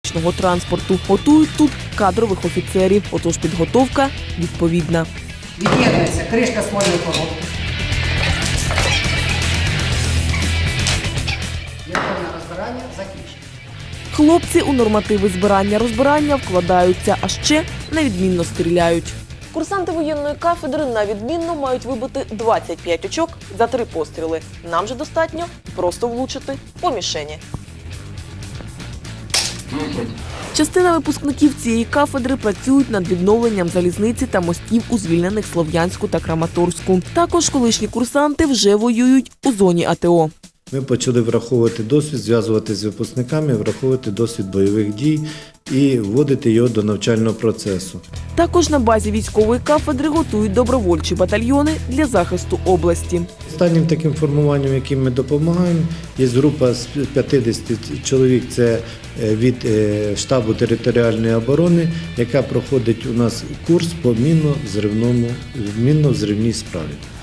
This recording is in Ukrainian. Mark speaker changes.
Speaker 1: залізничного транспорту. Готують тут кадрових офіцерів, отож підготовка відповідна.
Speaker 2: Від'єднується кришка смольної коробки. Відповідне розбирання закінчено.
Speaker 1: Хлопці у нормативи збирання-розбирання вкладаються, а ще невідмінно стріляють. Курсанти воєнної кафедри на відмінно мають вибити 25 очок за 3 постріли. Нам же достатньо просто влучити по мішені. Частина випускників цієї кафедри працюють над відновленням залізниці та мостів у звільнених Слов'янську та Краматорську. Також колишні курсанти вже воюють у зоні АТО.
Speaker 3: Ми почали враховувати досвід, зв'язувати з випускниками, враховувати досвід бойових дій і вводити його до навчального процесу.
Speaker 1: Також на базі військової кафедри готують добровольчі батальйони для захисту області.
Speaker 3: Останнім таким формуванням, яким ми допомагаємо, є група з 50 чоловік, це від штабу територіальної оборони, яка проходить у нас курс по мінно-взривній справі.